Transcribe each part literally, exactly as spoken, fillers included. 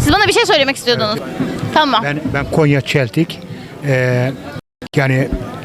Siz bana bir şey söylemek istiyordunuz. Tamam. Ben ben Konya Çeltik. Ee, yani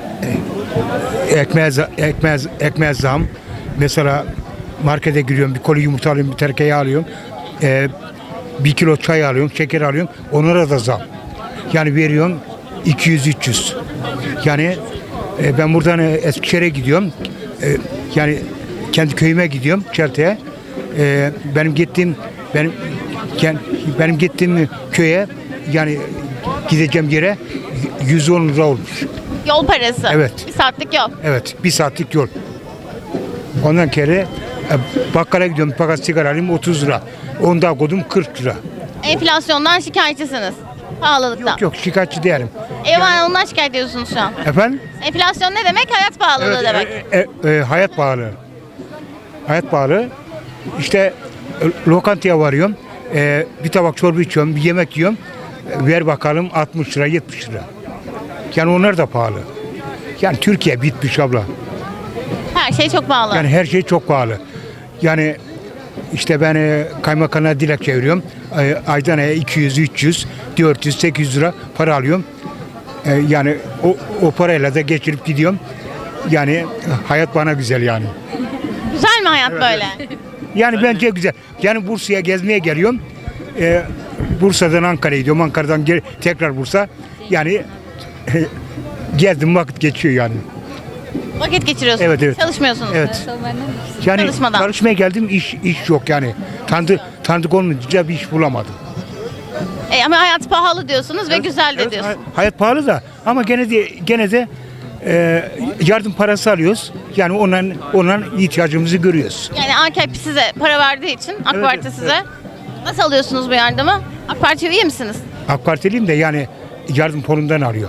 e, ekmeğe, za- ekmeğe, ekmeğe zam. Mesela markete giriyorum, bir koli yumurta alıyorum, bir terkeği alıyorum. Ee, bir kilo çay alıyorum, şeker alıyorum. Onlara da zam. Yani veriyorum iki yüz üç yüz. Yani e, ben buradan e, Eskişehir'e gidiyorum. E, yani kendi köyüme gidiyorum, Çeltik'e. E, benim gittiğim benim yani benim gittiğim köye, yani gideceğim yere yüz on lira olmuş. Yol parası. Evet. Bir saatlik yol. Evet, bir saatlik yol. Ondan kere e, bakkala gidiyorum, bir paket sigara alayım otuz lira. Onu daha koydum kırk lira. Enflasyondan şikayetçisiniz. Pahalılıktan. Yok yok, şikayetçi değilim. Eyvah, ondan şikayet ediyorsunuz şu an. Efendim? Enflasyon ne demek? Hayat pahalılığı demek. e, e, e, hayat pahalı. Hayat pahalı. İşte e, lokantaya varıyorum. E, bir tabak çorba içiyorum, bir yemek yiyorum. E, ver bakalım altmış lira, yetmiş lira. Yani onlar da pahalı. Yani Türkiye bitmiş abla. Her şey çok pahalı. Yani her şey çok pahalı. Yani işte ben e, kaymakamına dilek çeviriyorum. E, aydan aya iki yüz, üç yüz, dört yüz, sekiz yüz lira para alıyorum. E, yani o, o parayla da geçirip gidiyorum. Yani e, hayat bana güzel yani. Güzel mi hayat böyle? Yani bence güzel. Yani Bursa'ya gezmeye geliyorum. E, Bursa'dan Ankara'ya gidiyorum. Ankara'dan geri, tekrar Bursa. Yani e, gezdim, vakit geçiyor yani. Vakit geçiriyorsunuz. Evet, evet. Çalışmıyorsunuz. Evet. Yani Çalışmadan. çalışmaya geldim, iş iş yok yani. Tanıdık tanıdık olmayınca bir iş bulamadım. E, ama hayat pahalı diyorsunuz ve güzel de Evet, diyorsunuz. hay- hayat pahalı da ama gene de gene de e, yardım parası alıyoruz. Yani onların onların ihtiyacımızı görüyoruz. Yani A K P size para verdiği için, AK Evet, Parti evet, size. Nasıl alıyorsunuz bu yardımı? AK Parti'ye üye misiniz? AK Partiliyim de yani yardım fonundan alıyor.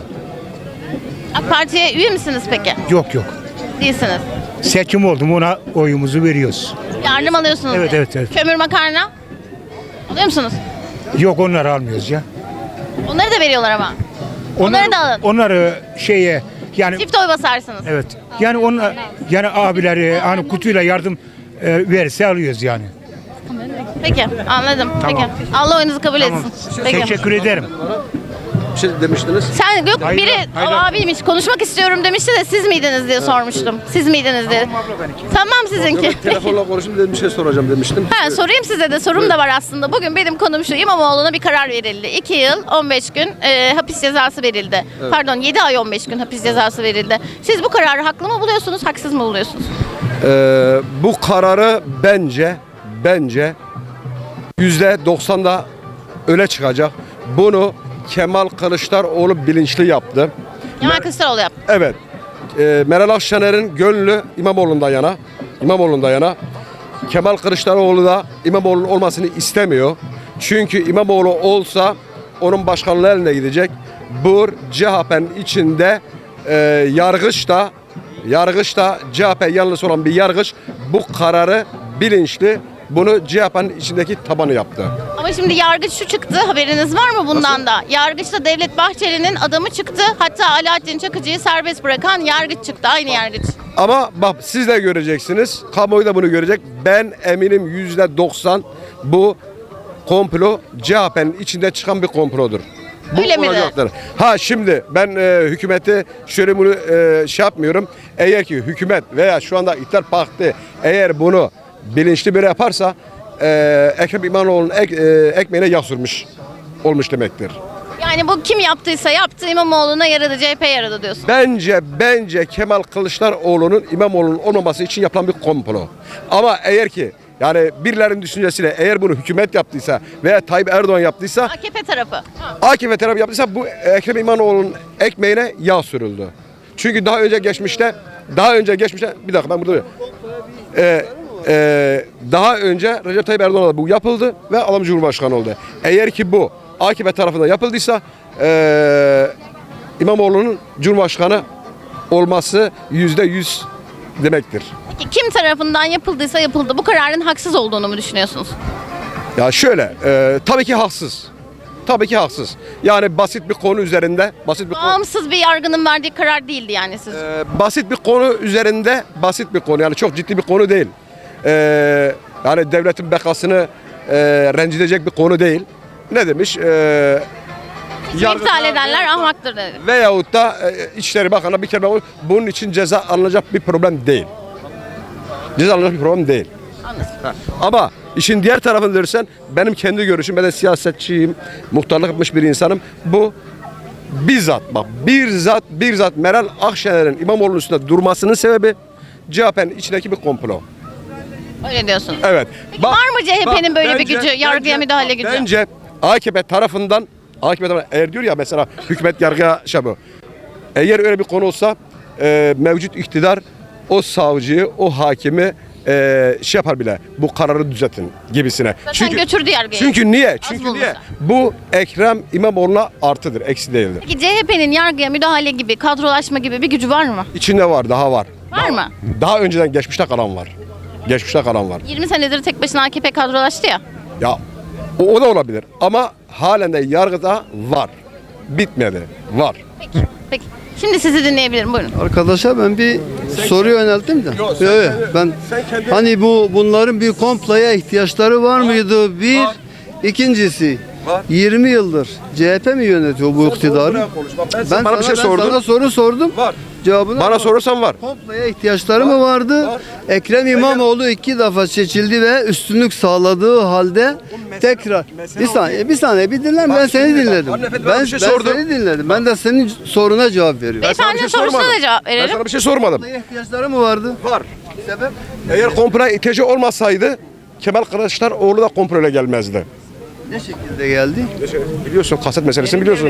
AK Parti'ye üye misiniz peki? Yok yok. Değilsiniz. Seçim oldu mu ona oyumuzu veriyoruz. Yardım alıyorsunuz. Evet, yani. evet, evet. Kömür makarna alıyor musunuz? Yok, onları almıyoruz ya. Onları da veriyorlar ama. Onları da alın. Onları şeye yani Çift oy basarsınız. evet. Yani onlar yani abileri hani kutuyla yardım e, verirse alıyoruz yani. Peki, anladım. Tamam. Peki. Allah oyunuzu kabul Tamam. etsin. Peki. Teşekkür ederim. Bir şey demiştiniz. Sen yok Hayır, biri hayır. o abiymiş konuşmak istiyorum demişti de siz miydiniz diye sormuştum. Siz miydiniz diye. Tamam sizinki. Yok, telefonla konuştum dedim, bir şey soracağım demiştim. Ha, sorayım size de sorum da var aslında. Bugün benim konum şu: İmamoğlu'na bir karar verildi. iki yıl on beş gün e, hapis cezası verildi. Pardon, yedi ay on beş gün hapis cezası verildi. Siz bu kararı haklı mı buluyorsunuz, haksız mı buluyorsunuz? Ee, bu kararı bence bence yüzde doksanda öne çıkacak. Bunu Kemal Kılıçdaroğlu bilinçli yaptı. Kemal Kılıçdaroğlu yaptı. Evet. Ee, Meral Akşener'in gönlü İmamoğlu'ndan yana. İmamoğlu'ndan yana. Kemal Kılıçdaroğlu da İmamoğlu'nun olmasını istemiyor. Çünkü İmamoğlu olsa onun başkanlığı eline gidecek. Bu C H P'nin içinde e, yargıç da yargıç da C H P yanlısı olan bir yargıç bu kararı bilinçli, bunu C H P'nin içindeki tabanı yaptı. Ama şimdi yargıç şu çıktı, haberiniz var mı bundan da? Yargıçta Devlet Bahçeli'nin adamı çıktı. Hatta Alaaddin Çakıcı'yı serbest bırakan yargıç çıktı, aynı yargıç. Ama bak, siz de göreceksiniz. Kamuoyu da bunu görecek. Ben eminim yüzde doksan bu komplo C H P'nin içinde çıkan bir komplodur. Bu Öyle mi de? olacaktır. Ha şimdi ben e, hükümeti şöyle bunu e, şey yapmıyorum. Eğer ki hükümet veya şu anda İktidar Partisi eğer bunu bilinçli bir yaparsa e, Ekrem İmamoğlu'nun ek, e, ekmeğine yağ sürmüş olmuş demektir. Yani bu kim yaptıysa yaptı, İmamoğlu'na yaradı, C H P yaradı diyorsun. Bence bence Kemal Kılıçdaroğlu'nun İmamoğlu'nun olmaması için yapılan bir komplo. Ama eğer ki yani birilerinin düşüncesiyle eğer bunu hükümet yaptıysa veya Tayyip Erdoğan yaptıysa, A K P tarafı. A K P tarafı yaptıysa bu Ekrem İmamoğlu'nun ekmeğine yağ sürüldü. Çünkü daha önce geçmişte daha önce geçmişte bir dakika ben burada ee, e, daha önce Recep Tayyip Erdoğan'a bu yapıldı ve adam Cumhurbaşkanı oldu. Eğer ki bu A K P tarafından yapıldıysa e, İmamoğlu'nun Cumhurbaşkanı olması yüzde yüz demektir. Peki kim tarafından yapıldıysa yapıldı. Bu kararın haksız olduğunu mu düşünüyorsunuz? Ya şöyle, e, tabii ki haksız. Tabii ki haksız. Yani basit bir konu üzerinde, basit bir konu, Bağımsız bir yargının verdiği karar değildi yani siz. e, basit bir konu üzerinde, basit bir konu yani çok ciddi bir konu değil. E, yani devletin bekasını e, rencide edecek bir konu değil. ne demiş? Ee, İptal edenler ahmaktır dedi. veyahut da e, İçişleri Bakanı bir kere ben- bunun için ceza alınacak bir problem değil. Ceza alınacak bir problem değil. Anladım. Ha. Ama işin diğer tarafını dersen benim kendi görüşüm, ben de siyasetçiyim, muhtarlık yapmış bir insanım. Bu bizzat bak bizzat bizzat Meral Akşener'in İmamoğlu'nun üstünde durmasının sebebi C H P'nin içindeki bir komplo. Öyle diyorsun. Evet. Peki var mı C H P'nin böyle bir gücü, yargıya müdahale bak, gücü? Bence A K P tarafından A K P tarafından eğer diyor ya mesela hükümet yargıya şey bu. Eğer öyle bir konu olsa e, mevcut iktidar o savcıyı, o hakimi e, şey yapar bile. Bu kararı düzeltin gibisine. Zaten götürdü yargıya. Çünkü niye? Az Çünkü bulunsa. niye? Bu Ekrem İmamoğlu'na artıdır, eksi değildir. Peki C H P'nin yargıya müdahale gibi, kadrolaşma gibi bir gücü var mı? İçinde var, daha var. Var mı? Daha önceden geçmişte kalan var. Geçmişte kalan var. yirmi senedir tek başına A K P kadrolaştı ya. Ya o, o da olabilir ama halen de yargıda var. Bitmedi. Var. Peki. Peki. Şimdi sizi dinleyebilirim. Buyurun. Arkadaşa ben bir soru yönelttim de. Yok, sen Evet, kendi- ben sen kendi- hani bu bunların bir komploya ihtiyaçları var mıydı? Bir, Var. ikincisi Var. yirmi yıldır C H P mi yönetiyor bu iktidarı? buraya konuş. Bak, ben Ben sana bir şey ben sordum. sana soru sordum. Var. Cevabını Bana almadım. sorursan var. Komploya ihtiyaçları mı vardı? Var. Ekrem İmamoğlu iki defa seçildi ve üstünlük sağladığı halde tekrar bir saniye bir saniye bir dinler ben Bak seni şimdi bak, dinledim. hanımefendi bana Ben, bir şey ben sordu. seni dinledim. Ben de senin soruna cevap veriyorum. Ben sana bir Beyefendinin şey sorusuna sormadım. da cevap Ben verelim. sana bir şey sormadım. Komploya ihtiyaçları mı vardı? Var. Sebep? Eğer komploya ihtiyacı olmasaydı Kemal Kılıçdaroğlu da komployla gelmezdi. Ne şekilde geldi? Biliyorsun kaset meselesini biliyorsun.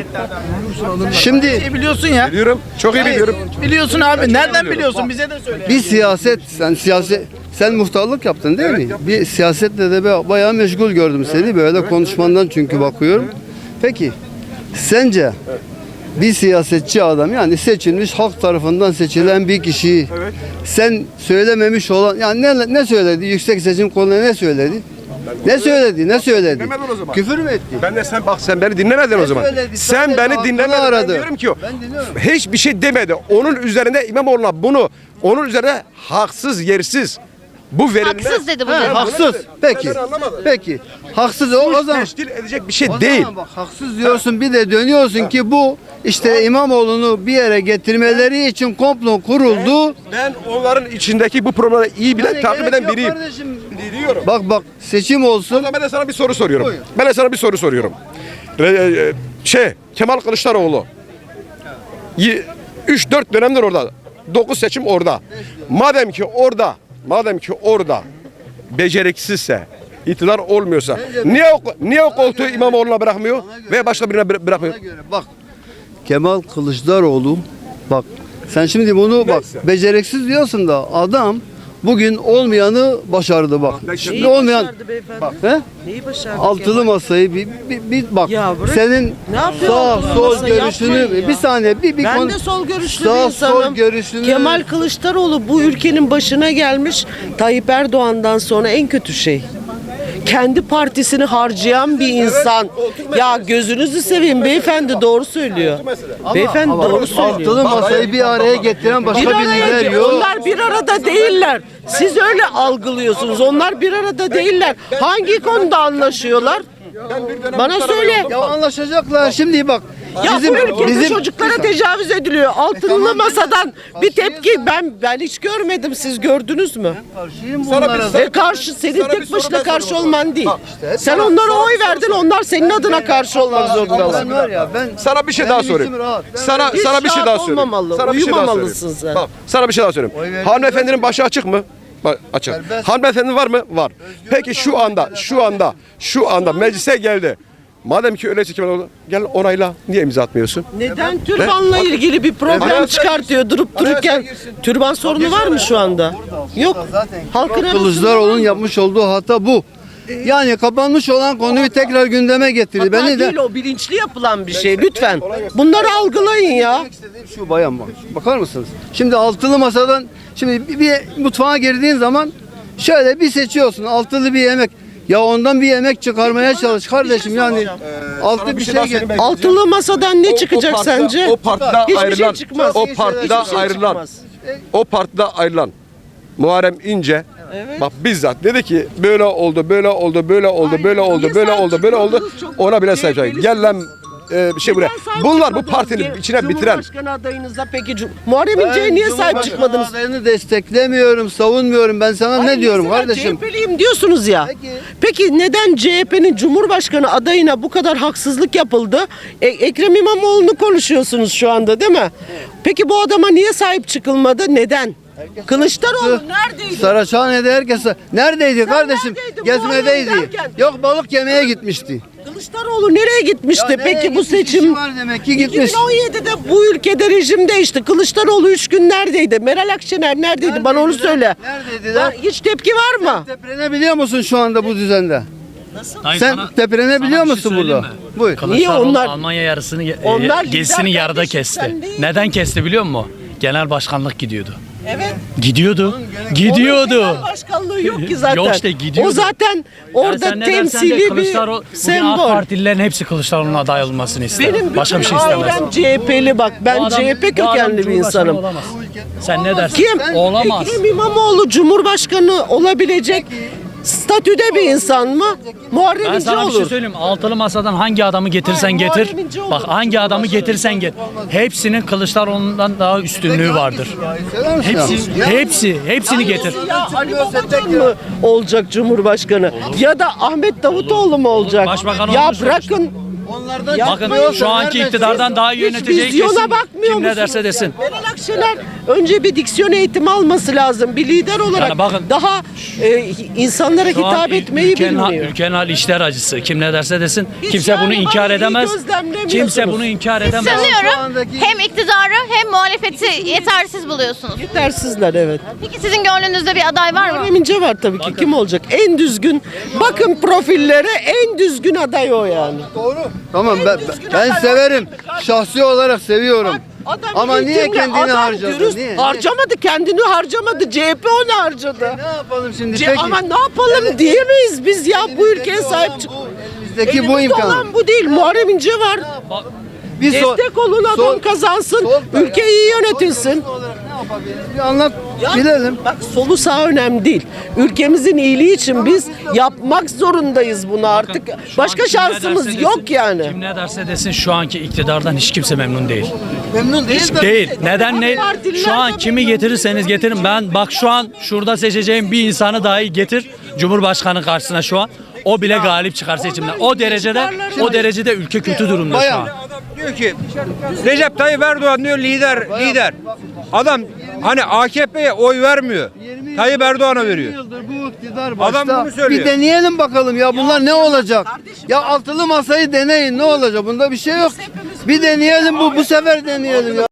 Şimdi İyi biliyorsun ya. Biliyorum. Çok iyi biliyorum. Biliyorsun abi. çok Nereden biliyorum. biliyorsun? Bize de söyle. bir siyaset, sen siyaset, sen muhtarlık yaptın değil mi? Bir siyasetle de be- bayağı meşgul gördüm seni böyle konuşmandan çünkü bakıyorum. Peki, sence bir siyasetçi adam yani seçilmiş halk tarafından seçilen bir kişiyi Evet. sen söylememiş olan yani ne ne söyledi? Yüksek Seçim Kurulu'na ne söyledi? Ne söyledi? Ne söyledi? Dinlemedin o zaman. Küfür mü etti? Ben de sen bak sen beni dinlemedin o zaman. söyledi? Sen Sadece beni aklını dinlemedin. Ben aradı. diyorum ki o. Ben dinliyorum. Hiçbir şey demedi. Onun üzerine İmamoğlu'na bunu onun üzerine haksız yersiz bu verilmez. Haksız dedi bu Ha, cevap. haksız. Peki. Ben anlamadım. Peki. Haksız o, o Suç zaman. teşkil edecek bir şey O değil. zaman bak haksız diyorsun bir de dönüyorsun ki bu işte İmamoğlu'nu bir yere getirmeleri için komplo kuruldu. Ben onların içindeki bu problemleri iyi bile Yani takip gerek eden yok biriyim. kardeşim. Biliyorum. Bak bak seçim O olsun. zaman ben de sana bir soru soruyorum. Buyur. Ben de sana bir soru soruyorum. Re- e, Şey, Kemal Kılıçdaroğlu üç dört dönemdir orada. dokuz seçim orada. Madem ki orada, madem ki orada beceriksizse, iktidar olmuyorsa niye o, niye o koltuğu İmamoğlu'na bırakmıyor ve başka birine bıra- bırakmıyor? Ona göre bak Kemal Kılıçdaroğlu bak sen şimdi bunu bak Neyse. beceriksiz diyorsun da adam bugün olmayanı başardı bak. ben Şimdi şimdi- olmayan başardı beyefendi? bak he? Neyi başardı Altılı masayı bir, bir, bir bak Ya bırak. senin Ne yapıyor sağ altılı sol masayı? görüşünü Yapmayın ya. bir saniye bir bir Ben konu- de sol görüşlü sağ bir insanım. sol görüşünü Kemal Kılıçdaroğlu bu ülkenin başına gelmiş Tayyip Erdoğan'dan sonra en kötü şey. Kendi partisini harcayan bir insan. Ya gözünüzü seveyim beyefendi doğru söylüyor. Beyefendi Ama doğru söylüyor. altılı masayı bir araya getiren başka Bir bir araya, lider yok. onlar bir arada değiller. Siz öyle algılıyorsunuz. Onlar bir arada değiller. Hangi konuda anlaşıyorlar? Bana söyle. Ya anlaşacaklar şimdi bak. Ya bizim bu ülkede bizim çocuklara tecavüz ediliyor. Altılı tamam, masadan bir karşıyız tepki da. ben ben hiç görmedim. Siz gördünüz mü? karşıyım Sana bir bunlara. soru- E karşı senin Sana bir tek soru başına ben karşı sorayım o olman değil. zaman. Sen onlara oy verdin. Onlar senin adına karşı olmak Ben zorundalar. var ya ben Sana bir şey benim daha içim sorayım. rahat. Ben- Sana Hiç sana bir şey rahat daha söyleyeyim. olmamalı, Sana bir şey daha uyumamalısın söyleyeyim. sen. Bak, sana bir şey daha söyleyeyim. Oy verdim. Hanımefendinin başı açık mı? Bak, açık. Serbest. Hanımefendi var mı? Var. Peki şu anda, şu anda, şu anda meclise geldi. Madem ki öyle çekim oldu, gel onayla. Niye imza atmıyorsun? Neden türbanla ilgili bir problem Anayasa çıkartıyor durup dururken? Türban sorunu var mı şu anda? Yok. Halkın arasında Kılıçdaroğlu'nun yapmış olduğu hata bu. Yani kapanmış olan konuyu tekrar gündeme getirdi. Hata Beni de değil o bilinçli yapılan bir şey lütfen. Bunları algılayın ya. şu bayan bak. Bakar mısınız? Şimdi altılı masadan şimdi bir, bir mutfağa girdiğin zaman şöyle bir seçiyorsun altılı bir yemek. Ya ondan bir yemek çıkarmaya çalış kardeşim yani. Altı Sana bir şey şey daha get. söyleyeyim. Altılı masadan ne O- o çıkacak partide- sence? O partide Hiçbir şey ayrılan, çıkmaz. o Hiçbir partide şey ayrılan, çıkmaz. o partide ayrılan Muharrem İnce Bak bizzat dedi ki böyle oldu, böyle oldu, böyle oldu, Aynen. böyle oldu, Niye böyle sahip oldu, böyle oldu. çıkmadınız? Çok Ona bile C sahip H çıkacak. P'lisiniz. Gel lan e, bir şey buraya. Neden sahip Bunlar bu çıkmadınız? partinin Ge- içine bitiren. Cumhurbaşkanı adayınıza peki Cum- Muharrem İnce'ye niye sahip Cumhurbaşkanı çıkmadınız? adayını desteklemiyorum, savunmuyorum. Ben sana Ay, ne diyorum mesela kardeşim? C H P'liyim diyorsunuz ya. Peki. Peki neden C H P'nin Cumhurbaşkanı adayına bu kadar haksızlık yapıldı? E, Ekrem İmamoğlu'nu konuşuyorsunuz şu anda değil mi? Peki bu adama niye sahip çıkılmadı? Neden? Kılıçdaroğlu neredeydi? Saraçhane'de herkes neredeydi kardeşim? neredeydin? Gezmedeydi. Muharrem derken? Yok balık yemeye gitmişti. Kılıçdaroğlu nereye gitmişti? Ya nereye Peki bu gitmiş? seçim İşi var demek ki gitmiş. iki bin on yedide bu ülkede rejim değişti. Kılıçdaroğlu üç gün neredeydi? Meral Akşener neredeydi? Bana onu Neredeydiler? söyle. Neredeydiler? Var- Hiç tepki var mı? Teprenebiliyor musun şu anda bu düzende? Dayı Sen sana- teprenebiliyor sana bir musun şey söyleyeyim burada? mi? Buyur. Kılıçdaroğlu Niye onlar- Almanya yarısını e, Onlar gezisini lider yarıda kardeşim, kesti. sen değil. Neden kesti biliyor musun? Genel başkanlık gidiyordu. Evet. Gidiyordu. Onun Gidiyordu. genel başkanlığı yok ki zaten. Yok işte, gidiyordu. O zaten orada Ya sen ne dersen de temsili bir Kılıçdaroğlu- bugün AK sembol. Partililerin hepsi Kılıçdaroğlu'nun aday olmasını ister. Benim Başka bir bütün şey istemez. ailem C H P'li bak. Ben Bu adam- C H P bu adam kökenli bir Cumhurbaşkanı insanım. olamaz. Sen ne dersin? Kim? Olamaz. Ekrem İmamoğlu Cumhurbaşkanı olabilecek statüde bir insan mı? Muharrem Ben İnce sana bir şey olur. söyleyeyim. Altılı masadan hangi adamı getirsen Hayır, getir. Muharrem İnce olur. Bak hangi adamı getirsen get. Hepsinin Kılıçdaroğlu'ndan daha üstünlüğü vardır. Söyler misin Hepsi, ya? hepsi, hepsini getir. Ya Ali Babacan mı olacak Cumhurbaşkanı? Ya da Ahmet Davutoğlu mu olacak? Başbakan ya olmuş bırakın. Onlardan Bakın çıkmıyorsa şu anki nereden iktidardan daha iyi Hiç yöneteceği vizyona kesin. bakmıyor Kim ne musunuz derse ya? desin. Meral Akşener önce bir diksiyon eğitimi alması lazım. Bir lider olarak Yani bakın- daha e, insanlara Şu an hitap ül- etmeyi ülkenin, ha- bilmiyor. ülkenin hali işler acısı. Kim ne derse desin. Hiç Kimse yani bunu bana inkar iyi edemez. gözlemlemiyorsunuz. Kimse bunu inkar edemez. Sanıyorum andaki- hem iktidarı hem muhalefeti yetersiz buluyorsunuz. Yetersizler evet. Peki sizin gönlünüzde bir aday var mı? Muharrem İnce var tabii ki. Kim olacak? En düzgün. Bakın profillere en düzgün aday o yani. Tamam ben, düzgün ben aday severim. var. Şahsi olarak seviyorum. Adam Ama niye eğitimli, kendini adam harcadı? dürüst. Niye? Harcamadı, kendini harcamadı. C H P onu harcadı. Ne yapalım şimdi Ce- peki? ama ne yapalım diyemeyiz biz ya bu ülkeye sahip çık. Elimizdeki bu Elimizde imkan. olan bu değil. Muharrem İnce var. Bir sol- Destek olun adam sol- kazansın. sol- Ülke iyi yönetilsin. Sol olarak ne yapabiliriz? Bir anlat Ya, bilelim. Bak solu sağ önemli değil. Ülkemizin iyiliği için biz yapmak zorundayız bunu artık. Şu Başka an kim ne şansımız derse yok desin, yani. Kim ne derse desin şu anki iktidardan hiç kimse memnun değil. Memnun değil de. Değil. Neden ne? Partililer Şu an de kimi memnun getirirseniz getirin. Ben bak şu an şurada seçeceğim bir insanı dahi getir Cumhurbaşkanı karşısına şu an. O bile galip çıkar seçimden. O derecede o derecede ülke kötü durumda şu an. Diyor ki Recep Tayyip Erdoğan diyor lider lider. Adam hani A K P'ye oy vermiyor. Tayyip Erdoğan'a veriyor. yıldır bu iktidar başta. Adam bunu söylüyor. Bir deneyelim bakalım ya bunlar ne olacak? Ya altılı masayı deneyin ne olacak? Bunda bir şey yok. Bir deneyelim bu bu sefer deneyelim ya.